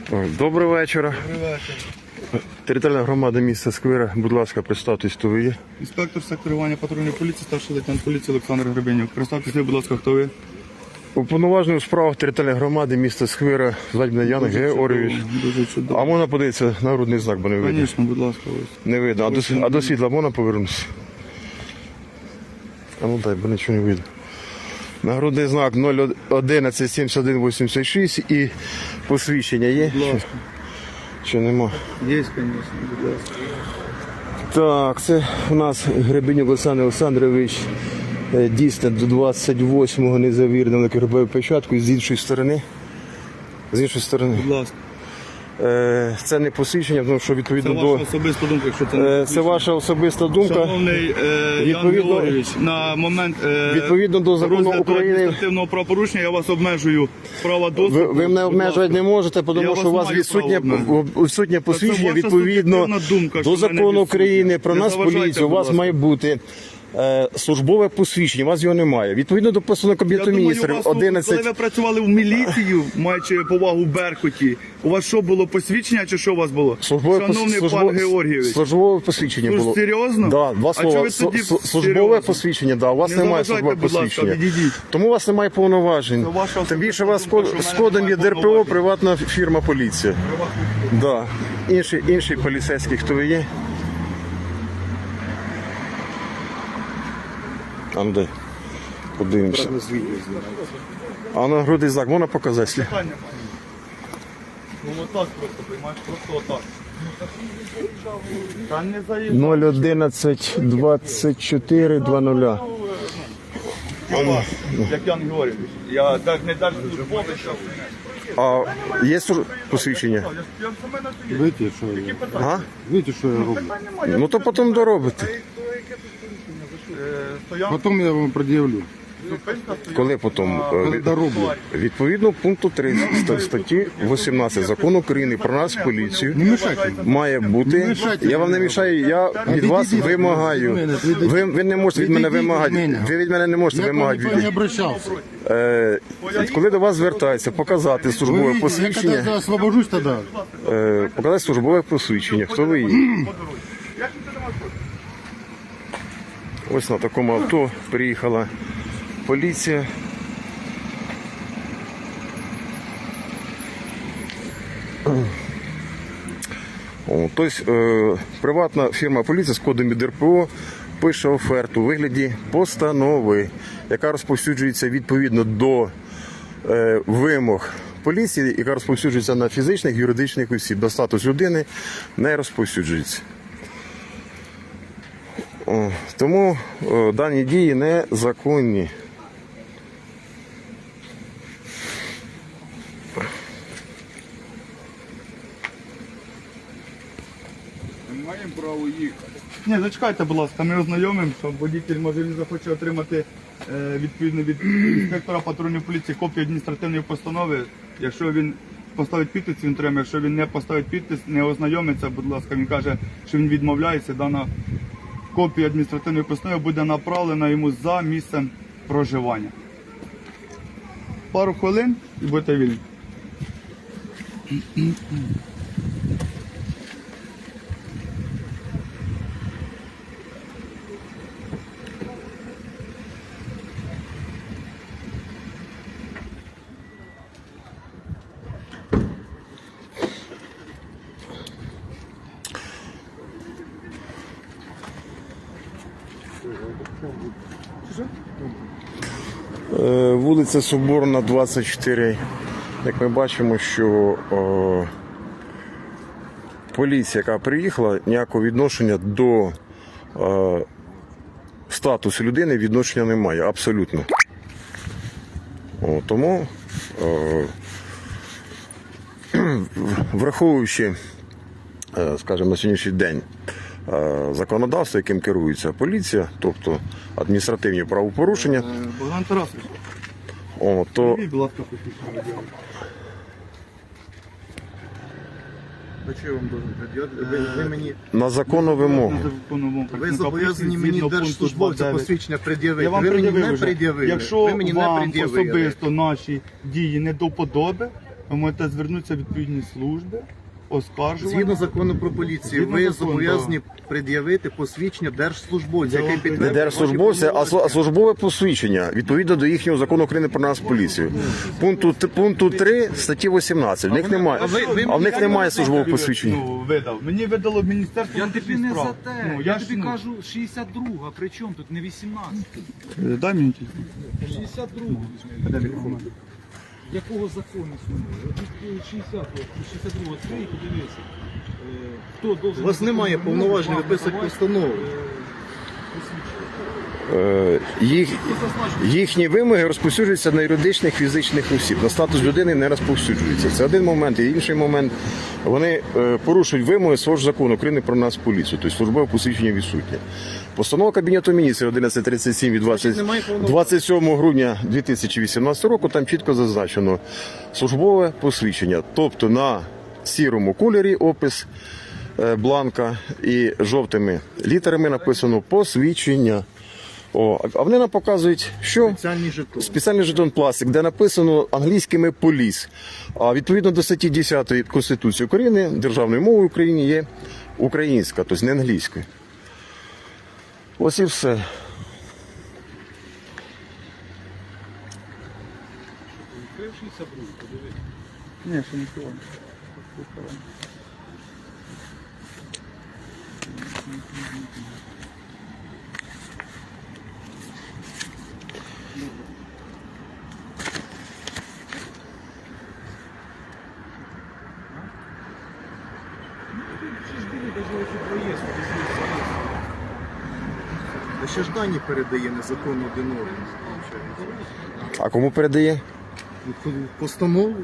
Доброго вечора. Добрий вечір. Територіальна громада міста Сквира. Будь ласка, представтесь, хто ви є. Інспектор секторування патрульної поліції, старший лейтенант поліції Олександр Гребенюк. Представтеся, будь ласка, хто ви? Уповноважений у справах територіальної громади міста Сквира, звати мене Ян Георгійович. Дуже чудово. А можна подивитися нагрудний знак, бо не видно? Звісно, будь ласка, ось. Не видно. А до світла можна повернутися? А ну дай, бо нічого не видно. Нагрудний знак 011 71 86 і посвідчення є? Будь ласка. Чи нема? Є, звісно, будь ласка. Так, це у нас Гребенюк Олександр Олександрович, дійсно до 28-го незавірно робив печатку з іншої сторони. З іншої сторони. Будь ласка. Це не посвідчення, тому що Це відповідно ваша до... особиста думка, якщо це не Це ваша особиста думка. Шановний Ян Відповідно- Георгійович, на момент Відповідно до закону розгляду України- адміністративного правопорушення я вас обмежую права доступу. Ви мене Будь обмежувати ласка. не можете, Я тому що у вас маю відсутнє право відсутнє посвідчення ваша відповідно суб'єктивна думка, що до в мене закону відсутнє. України про Не нас заважайте, поліцію. У будь вас ласка. має бути службове посвідчення, у вас його немає. Відповідно до постанови Я Кабінету думаю, міністрів у вас, коли 11... ви працювали в міліцію, маючи повагу в Беркуті, у вас що було, посвідчення чи що у вас було? Шановний пан Георгійович, службове посвідчення Ну, було. серйозно? Да, два А слова. чого ви тоді Службове серйозно? посвідчення, да, у вас Не немає заважайте, службового будь ласка, посвідчення. відійдіть. Тому у вас немає повноважень. Це ваша Тим більше у вас особиста думка, з що в мене кодом є немає ДРПО, повноважень. приватна фірма поліція. Да. Інший поліцейський, хто ви є? А ну дай. Подивимося. А на грудний знак можна показати? Ну отак просто, приймаєш, просто отак. Та не заїжджай. 011 24 20. Як Ян Георгійович. Я не держслужбовець. А є посвідчення? Я саме на світі. Видите, що я, Ага. видите, що я роблю? Ну то потім доробите. Стоянка, Потім я вам пред'явлю. зупинка, стоянка. Коли потім? Коли дороблю. Відповідно пункту 3 статті 18 Закону України про нас поліцію Не мешайте. має бути. мішайте Я вам не мішаю, я від вас Відійдіть вимагаю. від мене, відійдіть. Ви не можете від мене Відійдіть від вимагати. мене. Ви від мене не можете Я к вам вимагати. ніхто не обращався. Коли до вас звертаються, показати Ви службове видите, я коли посвідчення, освобожусь тоді. показати службове посвідчення. Хто ви є? Ось на такому авто приїхала поліція. Тобто приватна фірма поліції з кодом ДРПО пише оферту у вигляді постанови, яка розповсюджується відповідно до вимог поліції, яка розповсюджується на фізичних, юридичних осіб. До статус людини не розповсюджується. Тому дані дії незаконні. Ми маємо право їхати. Ні, зачекайте, будь ласка, ми ознайомимо, що водитель, може, він захоче отримати відповідно від інспектора патрульної поліції копію адміністративної постанови. Якщо він поставить підпис, він отримає. Якщо він не поставить підпис, не ознайомиться, будь ласка, він каже, що він відмовляється, дана копія адміністративної постанови буде направлена йому за місцем проживання. Пару хвилин і будете вільні. Вулиця Соборна, 24. Як ми бачимо, що поліція, яка приїхала, ніякого відношення до статусу людини відношення немає, абсолютно. Тому, враховуючи, скажімо, на сьогоднішній день законодавство, яким керується поліція, тобто адміністративні правопорушення, Богдан Тарасович, то будь ласка, посвідчення водія. А що я вам должен пред'явити? Ви мені на законну вимогу. ви зобов'язані мені держслужбовця посвідчення Я пред'явити. вам Ви мені пред'явив не вже. пред'явили. Якщо Ви мені не вам пред'явили. особисто наші дії не до вподоби, ви можете звернутися в відповідні служби, оскаржувати. Згідно закону про поліцію, Згідно ви закону, зобов'язані пред'явити посвідчення держслужбовця, який Не підтверджує. держслужбовця, а службове посвідчення відповідно до їхнього закону України про нас поліцію. Пункту 3 статті 18. В них немає, а в них немає службового посвідчення. Ну, видав. Мені видало Міністерство Я тобі внутрішніх не за справ. те. Ну, я ж, тобі ну, кажу 62-га, при чому тут не 18? Дай мені телефон. 62-га. Якого закону існує? 62-го, відкрий, подивися. Хто должен... У вас немає повноважень виписати постанову. Їхні вимоги розповсюджуються на юридичних фізичних осіб. На статус людини не розповсюджуються. Це один момент. І інший момент, вони порушують вимоги свого ж закону України про нас поліцію. Тобто службове посвідчення відсутнє. Постанова Кабінету міністрів 1137 від 27 грудня 2018 року, там чітко зазначено службове посвідчення. Тобто на сірому кольорі опис бланка і жовтими літерами написано посвідчення. А вони нам показують, що Спеціальний жетон. спеціальний жетон пластик, де написано англійськими поліс. А відповідно до статті 10 Конституції України державною мовою в Україні є українська, тобто не англійською. Ось і все. Ні, ще не криваю. Та ще ж дані передає незаконно один орган. А кому передає? Постанову.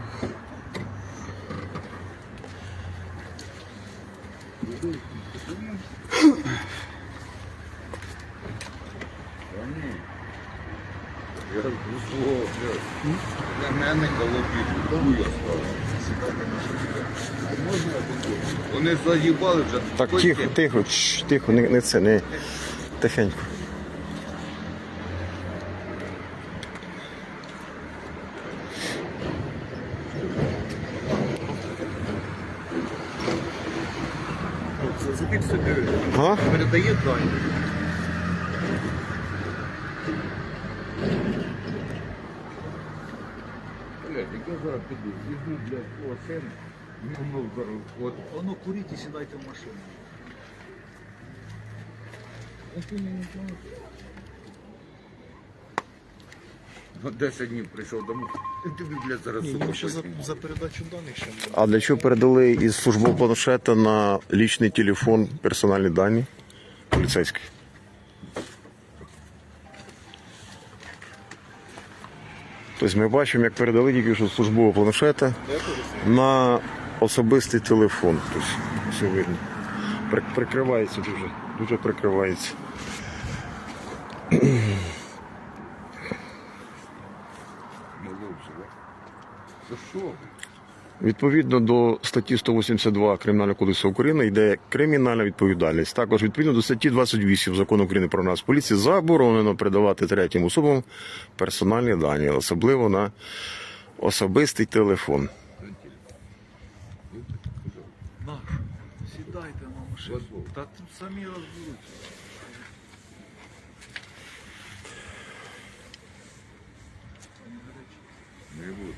Вони заїбали вже. Так, тихо, тихо, тихо, не це, не тихенько. Забіть собі. А? Передає дані. Блядь, яке зараз піду? Візьму, блядь, свого сина, ну, зараз, от. Воно куріть і сідайте в машину. Ну, 10 днів прийшов домой. І тобі, блядь, зараз сука. За передачу даних ще не. А для чого передали із службового планшета на лічний телефон персональні дані поліцейських? Тобто ми бачимо, як передали тільки що з службового планшета на особистий телефон. Тобто, все видно. Прикривається дуже прикривається. За що? Відповідно до статті 182 Кримінального кодексу України йде кримінальна відповідальність. Також відповідно до статті 28 Закону України про нас поліції заборонено передавати третім особам персональні дані, особливо на особистий телефон. Наш, сідайте на машину. Та тут самі розберуться. Не буду.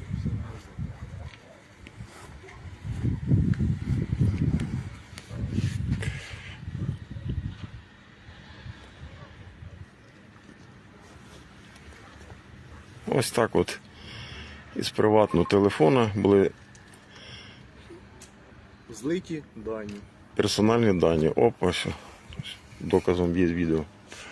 Ось так от із приватного телефона були Злиті дані. персональні дані. Опа, ось. Доказом є відео.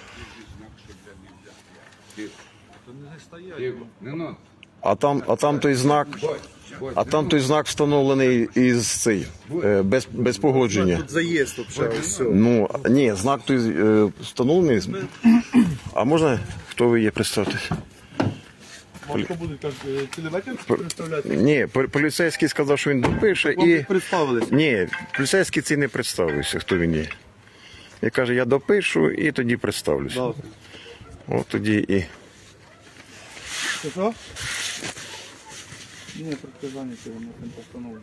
Тихо, не надо. А там той знак. А там той знак встановлений із цей без погодження. Тут заїзд взагалі, все. Ну ні, знак той встановлений. А можна, хто ви є, представтесь? Важко буде так цілий представляти. Ні, поліцейський сказав, що він допише Вам і. представилися. Ні, поліцейський цей не представився, хто він є. Він каже, я допишу і тоді представлюся. Да. От тоді і. Що? Ні, притязання цього на цим постановлено.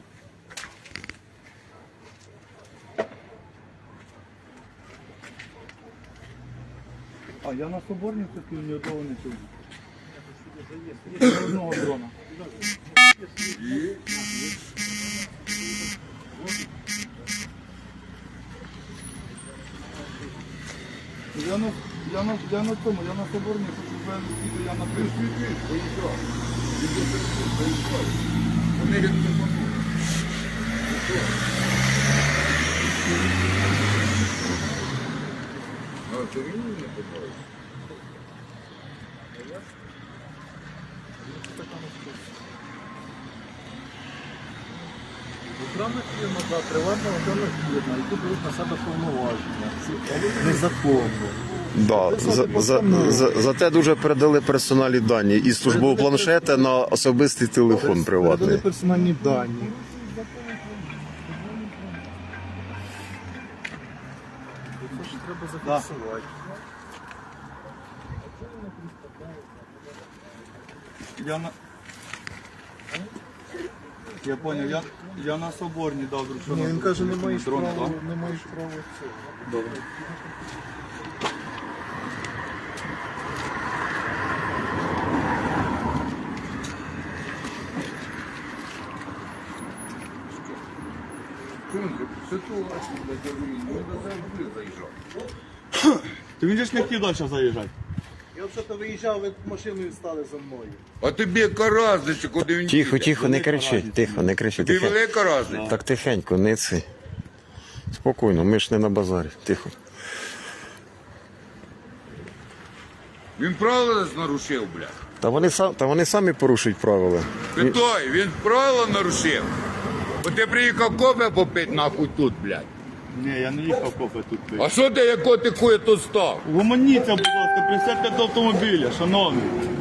А я на Соборній купив, ні одного не чув. Ні одного дрона. Я на цьому, я на Соборній хочу, я на пришві. А, ти мені не подобається? Державна фірма, да, приватна державна фірма, які беруть на себе повноваження. Це незаконно. Да. Зате дуже передали персональні дані із службового планшета на особистий телефон приватний. Передали персональні дані. Це ж треба зафіксувати. Я понял, я на Соборній дав друг. Ні, він каже, не маєш дрон, права, так? не маєш права цього. Добре. Ситуація, блядь, я говорю, ну, до завжди заїжджав. Ти він же ж не хотів далі заїжджати. Я взагалі виїжджав, ви машиною стали за мною. А тобі яка разниця, куди він Тихо, їде? тихо, не кричи, тихо, не кричи. Тобі Тихо. велика разниця. Так тихенько, не ци. Спокійно, ми ж не на базарі. Тихо. Він правила нарушив, блядь. Та вони самі порушують правила. Питай, він правила нарушив. Бо ти приїхав кофе попити нахуй тут, блядь. Ні, я не їхав кофе тут пити. А що ти, яко ти хує тут став? Гуманіться, будь ласка, присядьте до автомобіля, шановний.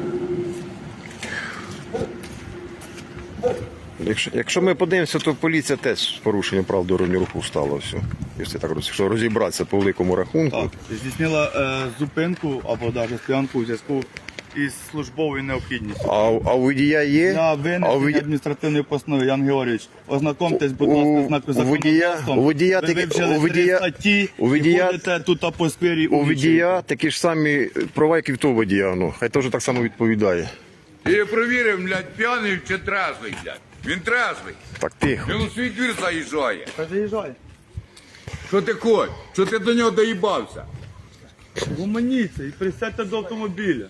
Якщо ми подивимося, то поліція теж з порушенням прав дорожнього руху стала все. Якщо так якщо розібратися по великому рахунку. Так, здійснила зупинку або навіть стоянку у зв'язку із службовою необхідністю. А у водія є? Для А винесення адміністративної постанови, Ян Георгійович, ознакомтесь, будь ласка, знаку законодавством. у водія Ви таки- вивчили у водія- 3 статті у водія- і ходите тут по сквері. У водія такі ж самі права, як і в того водія. Ну, хай теж так само відповідає. Я провірив, блядь, п'яний чи трезвий, блядь. Він трезвий. Так тихо. Він у свій двір заїжджає. Хай заїжджає. Що ти хочеш? Що ти до нього доїбався? Гуманіться і присядьте до автомобіля.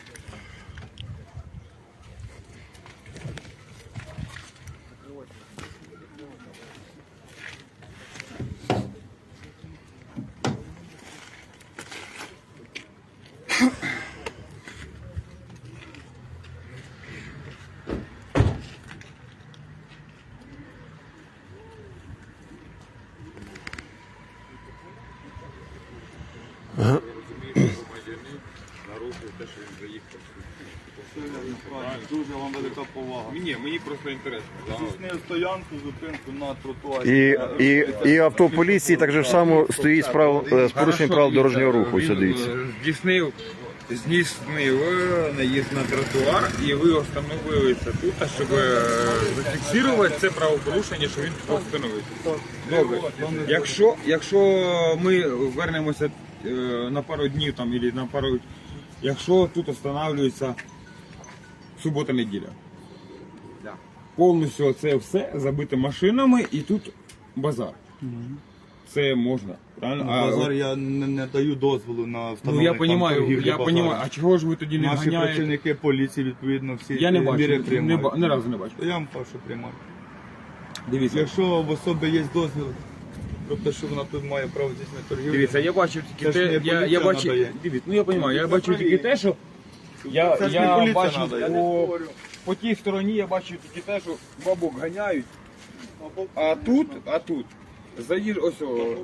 Дуже вам велика повага. Ні, мені просто інтересно. Здійснив стоянку, зупинку на тротуарі. І авто поліції так же само стоїть з порушенням прав дорожнього руху. Ось дивіться. Здійснив наїзд на тротуар, і ви остановилися тут, щоб зафіксувати це правопорушення, що він постановився. Добре. Якщо ми вернемося на пару днів там, або на пару... Якщо тут встановлюється субота-неділя, повністю це все забите машинами і тут базар. Це можна, правильно? Базар я не даю дозволу на Ну встановлення. я розумію, а чого ж ви тоді не Наші ганяєте? працівники поліції відповідно всі Я не міри бачу, приймають. ні разу не бачу. Я вам кажу, що приймаю. Дивіться, Якщо в особи є дозвіл, тобто що вона тут має право здійснити торгівлю. дивіться, я бачив тільки Це ж не те, я поліція бачив, надає. дивіться, ну я розумію, я бачив тільки те, що я Це ж не поліція бачив надає. по тій стороні, я бачив тільки те, що бабок ганяють, а тут ось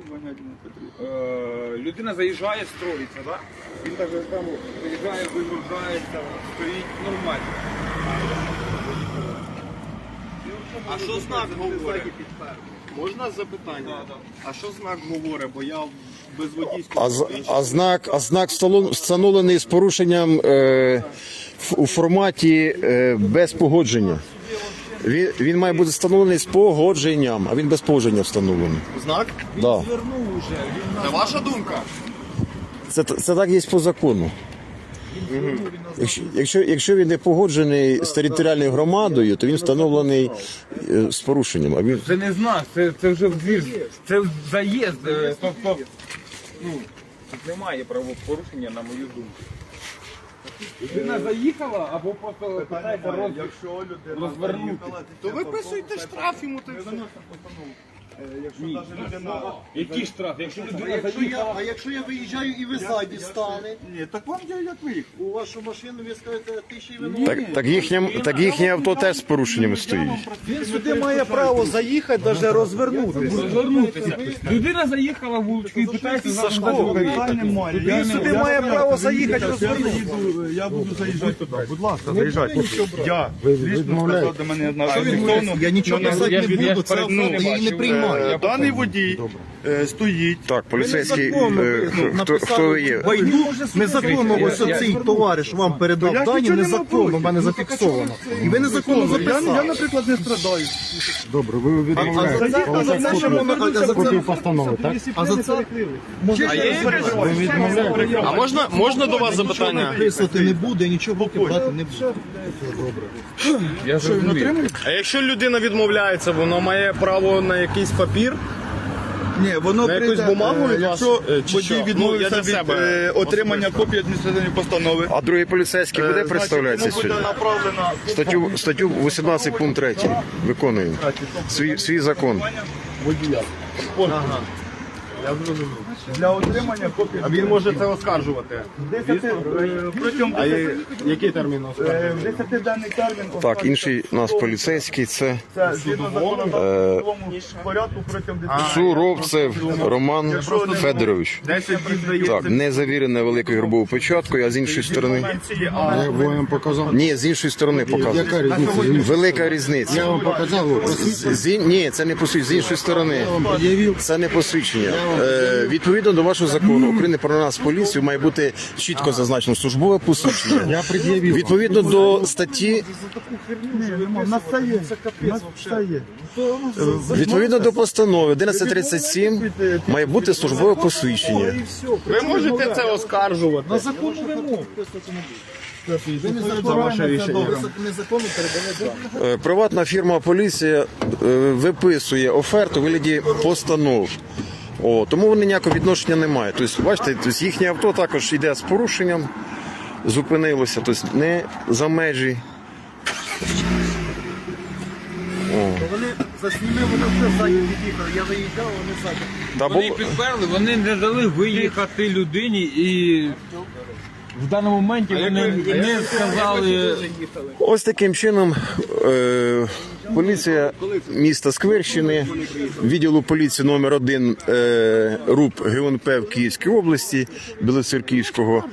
людина заїжджає, строїться, да? Він так же само заїжджає, вигружається, стоїть нормально. А що знак говорить? Можна запитання? А що знак говорить? Бо я без водійського... А знак встановлений з порушенням у форматі без погодження. Він має бути встановлений з погодженням, а він без погодження встановлений. Знак? Да. Це ваша думка? Це так є по закону. Якщо він не погоджений з територіальною громадою, то він встановлений з порушенням. А він Це не знак, це вже двір, це заїзд. Тобто, ну, тут немає правопорушення, на мою думку. Людина заїхала або просто питається Якщо людина розвернути. заїхала, То виписуйте штраф йому. якщо навіть людина... Який штраф? Якщо людина заїхала. А якщо я виїжджаю і ви ззаді стали, Ні, так вам я як виїхав. у вашу машину ви скажете, ти ще й винуватий. так їхнє авто теж з порушеннями стоїть. Він сюди має право заїхати, навіть розвернутися. Розвернутися. Людина заїхала в вуличку і питається Сашко, питань немає. Він сюди має право заїхати, Я розвернутися. я буду заїжджати туди. Будь ласка, заїжджайте. Я лічно сказав до мене одна. Я нічого казати не буду, це ну, я її не приймаю. Даний водій стоїть. Так, поліцейський, хто ви є? Незаконно ось цей товариш вам передав Я дані, нічого не незаконно, можу. в мене зафіксовано. І ви незаконно Я, записали. наприклад, не страдаю. Добре, ви відмовляєте. А за це, що воно- а за Копію це, постанови, так? а за це А можна до вас запитання? записувати не буде, нічого в руки брати не буде. Я зрозумів. А якщо людина відмовляється, воно має право на якийсь папір? Ні, воно На якусь прийде, бумагу від якщо вас, чи водій що? Ну, я відмовився для від себе отримання копії адміністративної постанови. А другий поліцейський буде представлятися Значить, сьогодні? йому буде направлена Статтю 18 пункт 3 виконуємо. Свій закон. для отримання копії. А він може це оскаржувати. Протягом Який термін оскаржувати? 10-денний термін. Так, інший у нас поліцейський це Це згідно закону в порядку протягом 10 Суровцев Роман Федорович. 10 днів здається. Так, не завірене великою грубовою печаткою, а з іншої сторони. Я вам показав. Ні, з іншої сторони показує. Яка різниця? Велика Я різниця. вам показав, ви просвітили. Ні, це не посвідчення, з іншої сторони. Це не посвідчення. Відповідно до вашого закону України про нас поліцію має бути чітко зазначено службове посвідчення. Я пред'явив. Відповідно до статті, У нас це є. У нас це є. відповідно до постанови 1137 має бути службове посвідчення. Ви можете це оскаржувати. На законну вимогу. Ви незаконно передаєте дані. Приватна фірма поліція виписує оферту у вигляді постанов. Тому вони ніякого відношення не мають. Тобто, бачите, їхнє авто також йде з порушенням, зупинилося, тобто не за межі. Вони засніми, вони вже ззаді від'їхали. Я виїжджав, вони ззаді. Та Вони було- підперли, вони не дали виїхати людині і в даному моменті вони не сказали. Ось таким чином поліція міста Сквирщини, відділу поліції номер 1 РУП ГУНП в Київській області, Білоцерківського.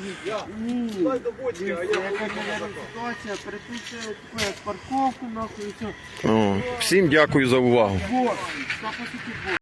Всім дякую за увагу.